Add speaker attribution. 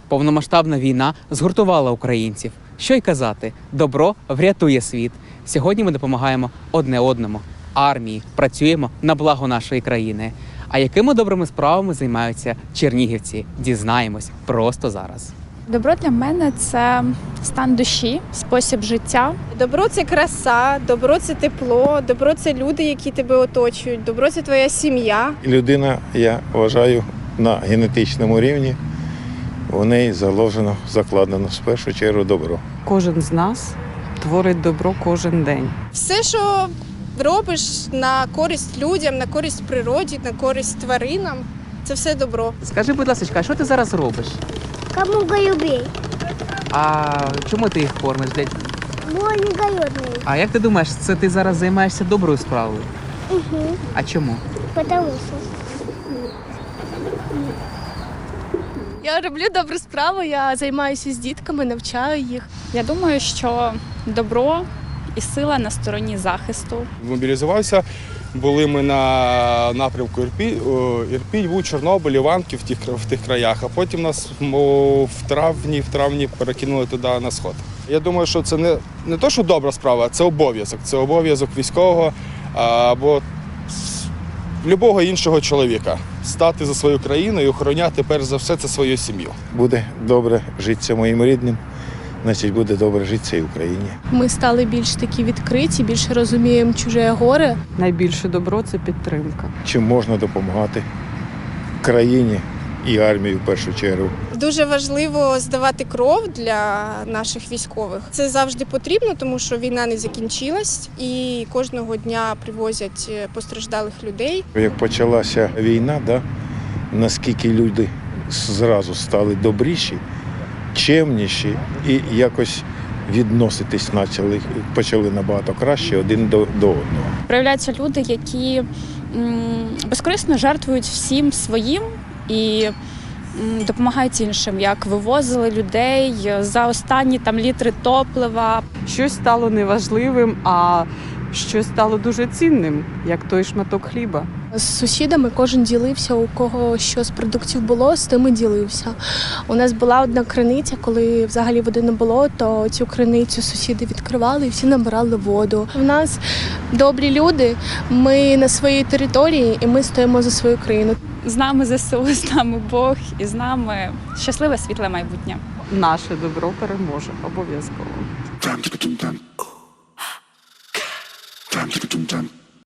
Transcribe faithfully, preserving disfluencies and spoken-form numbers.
Speaker 1: Повномасштабна війна згуртувала українців. Що й казати, добро врятує світ. Сьогодні ми допомагаємо одне одному, армії, працюємо на благо нашої країни. А якими добрими справами займаються чернігівці? Дізнаємось просто зараз.
Speaker 2: Добро для мене – це стан душі, спосіб життя.
Speaker 3: Добро – це краса, добро – це тепло, добро – це люди, які тебе оточують, добро – це твоя сім'я.
Speaker 4: Людина, я вважаю, на генетичному рівні у неї заложено, закладено в першу чергу добро.
Speaker 5: Кожен з нас творить добро кожен день.
Speaker 3: Все, що робиш на користь людям, на користь природі, на користь тваринам – це все добро.
Speaker 1: Скажи, будь ласка, а що ти зараз робиш?
Speaker 6: Кому голубей?
Speaker 1: А чому ти їх кормиш? Де-
Speaker 6: Бо они голодные.
Speaker 1: А як ти думаєш, це ти зараз займаєшся доброю справою?
Speaker 6: Угу.
Speaker 1: А чому?
Speaker 6: Потому что.
Speaker 7: Я роблю добру справу, я займаюся з дітками, навчаю їх.
Speaker 2: Я думаю, що добро і сила на стороні захисту.
Speaker 8: Мобілізувався, були ми на напрямку Ірпінь, о, Ірпінь, Буг, Чорнобиль, Іванків в тих, в тих краях, а потім нас о, в травні, в травні перекинули туди на сход. Я думаю, що це не, не то, що добра справа, а це обов'язок. Це обов'язок військового або любого іншого чоловіка. Стати за свою країну і охороняти, перш за все, це свою сім'ю.
Speaker 4: Буде добре житися моїм рідним, значить буде добре житися і в Україні.
Speaker 7: Ми стали більш такі відкриті, більше розуміємо чуже горе.
Speaker 5: Найбільше добро – це підтримка.
Speaker 4: Чим можна допомагати країні і армії в першу чергу.
Speaker 3: Дуже важливо здавати кров для наших військових. Це завжди потрібно, тому що війна не закінчилась і кожного дня привозять постраждалих людей.
Speaker 4: Як почалася війна, да, наскільки люди зразу стали добріші, чемніші і якось відноситись почали, почали набагато краще один до, до одного.
Speaker 2: Проявляються люди, які м, безкорисно жертвують всім своїм і м, допомагають іншим, як вивозили людей за останні там літри топлива.
Speaker 5: Щось стало неважливим, а щось стало дуже цінним, як той шматок хліба.
Speaker 7: З сусідами кожен ділився, у кого що з продуктів було, з тим і ділився. У нас була одна криниця, коли взагалі води не було, то цю криницю сусіди відкривали і всі набирали воду. У нас добрі люди, ми на своїй території і ми стоїмо за свою країну.
Speaker 2: З нами ЗСУ, з нами Бог і з нами щасливе світле майбутнє.
Speaker 5: Наше добро переможе обов'язково.
Speaker 9: Dum dum dum dum. Dum dum dum dum.